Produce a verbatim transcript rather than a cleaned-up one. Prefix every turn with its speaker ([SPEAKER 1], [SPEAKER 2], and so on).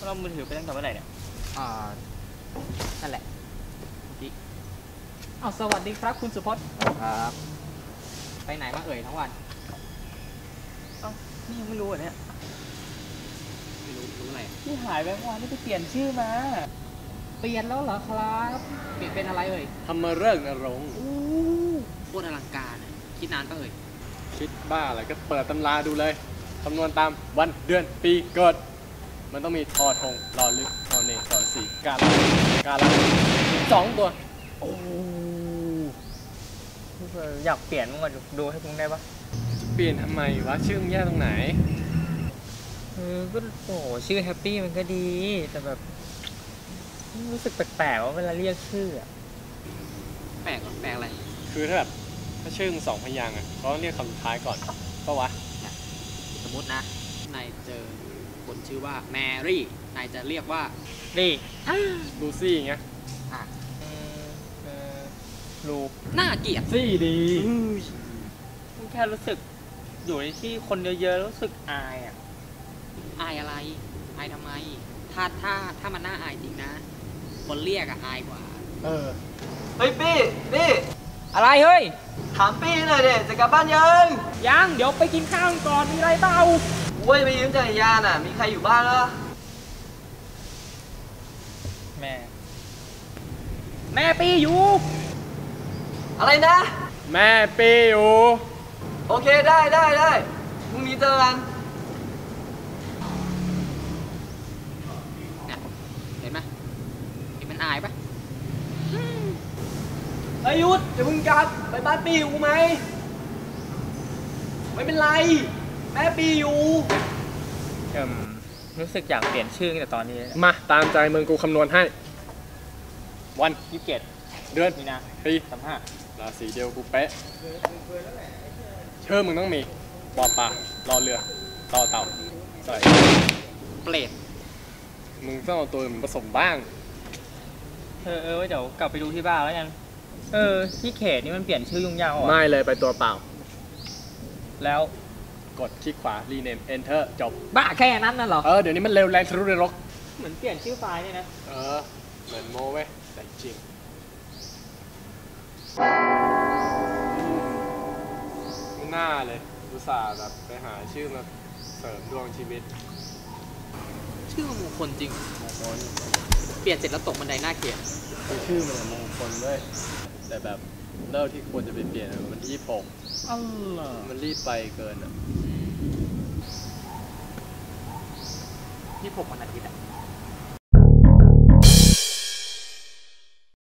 [SPEAKER 1] เรามือถือไปตั้งแต่เมื่อไหร่เนี่ย
[SPEAKER 2] อ่านั่นแหละเอาสวัสดีครับคุณสุพจน์ครับไปไหนมาเอ่ยทั้งวัน
[SPEAKER 1] เอ้านี่ยังไม่รู้อ่ะเนี่ย
[SPEAKER 2] ไม่รู้รู้อะไร
[SPEAKER 1] ที่หายไปเมื่อวานนี่ไปเปลี่ยนชื่อมา
[SPEAKER 2] เปลี่ยนแล้วเหรอครับเปลี่ยนเป็นอะไรเอ่ย
[SPEAKER 3] ทำมาเรื่องนรงค์
[SPEAKER 2] โคตรอลังการคิดนานปะเอ่ย
[SPEAKER 3] คิดบ้าอะไรก็เปิดตำราดูเลยคำนวณตามวันเดือนปีเกิดมันต้องมีทอทงรอลึกทอเนทอสีกาลกาลสองตัว
[SPEAKER 1] โอ้อยากเปลี่ยนมึงก่อนดูให้มึงได้ปะ
[SPEAKER 3] จะเปลี่ยนทำไมวะชื่อมึงแย่ตรงไหน
[SPEAKER 1] เออก็โอ้ชื่อแฮปปี้มันก็ดีแต่แบบรู้สึกแปลกๆว่าเวลาเรียกชื่ออะ
[SPEAKER 2] แปลกแปลกอะไร
[SPEAKER 3] คือถ้าแบบถ้าชื่อมึงสองพยางค์อ่ะก็ต้องเรียกคำสุดท้ายก่อนก็วะ
[SPEAKER 2] สมมตินะนายเจอคนชื่อว่าแมรี่นายจะเรียกว่า
[SPEAKER 1] รี่
[SPEAKER 3] ลูซี่อย่างเงี้ย
[SPEAKER 2] อ่ะ
[SPEAKER 1] ลู
[SPEAKER 2] น่าเกลียด
[SPEAKER 1] ซี่ดีแค่รู้สึกอยู่ในที่คนเยอะๆรู้สึกอายอ่ะ
[SPEAKER 2] อายอะไรอายทำไมถ้าถ้าถ้ามันน่าอายจริงนะคนเรียกอะอายกว่า
[SPEAKER 3] เออ
[SPEAKER 4] เฮ้ยปี้ปี้
[SPEAKER 1] อะไรเฮ้ย
[SPEAKER 4] ถามปี้หน่อยเด็จะกลับบ้านยัง
[SPEAKER 1] ยังเดี๋ยวไปกินข้าวก่อนมีอะไรเปล่า
[SPEAKER 4] เว้ยไปยืมจักรยานอ่ะมีใครอยู่บ้านเหรอ
[SPEAKER 1] แม่แม่ปี้อยู่
[SPEAKER 4] อะไรนะ
[SPEAKER 3] แม่ปี้อยู่
[SPEAKER 4] โอเคได้ได้ได้พรุ่งนี้เจอกัน
[SPEAKER 2] เห็นไหมเห็นมันอายปะ
[SPEAKER 4] เฮ้ยยุทธอย่าเพิ่งกลับไปบ้านปี้อยู่ไหมไม่เป็นไรแม่ปี้อยู่
[SPEAKER 1] เอิ่มรู้สึกอยากเปลี่ยนชื่อแต่ตอนนี้
[SPEAKER 3] มาตามใจมึงกูคำนวณให้วัน
[SPEAKER 1] ยี่สิบเจ็ด
[SPEAKER 3] เดือน
[SPEAKER 1] มีนา
[SPEAKER 3] ปี
[SPEAKER 1] สามห้า
[SPEAKER 3] ราศีเดียวกูเป๊ะชื่อมึงต้องมีปอปลารอเรือต่อเต่าใส่
[SPEAKER 2] เปรต
[SPEAKER 3] มึงต้องเอาตัวมึงผสมบ้าง
[SPEAKER 1] เออเออเดี๋ยวกลับไปดูที่บ้านแล้วกันเออที่เขตนี่มันเปลี่ยนชื่อยุ่งยากอ่ะ
[SPEAKER 3] ไม่เลยไปตัวเปล่า
[SPEAKER 1] แล้ว
[SPEAKER 3] กดคลิกขวา rename enter จบ
[SPEAKER 2] บ้าแค่นั้นน่ะหรอ
[SPEAKER 3] เออเดี๋ยวนี้มันเร็วแรงทะลุนรก
[SPEAKER 1] เหมือนเปลี่ยนชื่อไฟล์เนี่ยนะ
[SPEAKER 3] เออเหมือนโมเว้ยแต่จริงไม่น่าเลยอุตส่าห์แบบไปหาชื่อมาเสริมดวงชีวิต
[SPEAKER 2] ชื่อมงคลจริงมงคลเปลี่ยนเสร็จแล้วตกบันไดหน้าเกลียด
[SPEAKER 3] คือชื่อมันมงคลด้วยแต่แบบเลิกที่ควรจะไปเปลี่ยนมันยี่ปก
[SPEAKER 1] อ๋อ
[SPEAKER 3] มันรีบไปเกินอ่ะ
[SPEAKER 2] ยี่ปกวันอาทิตย์อ่ะ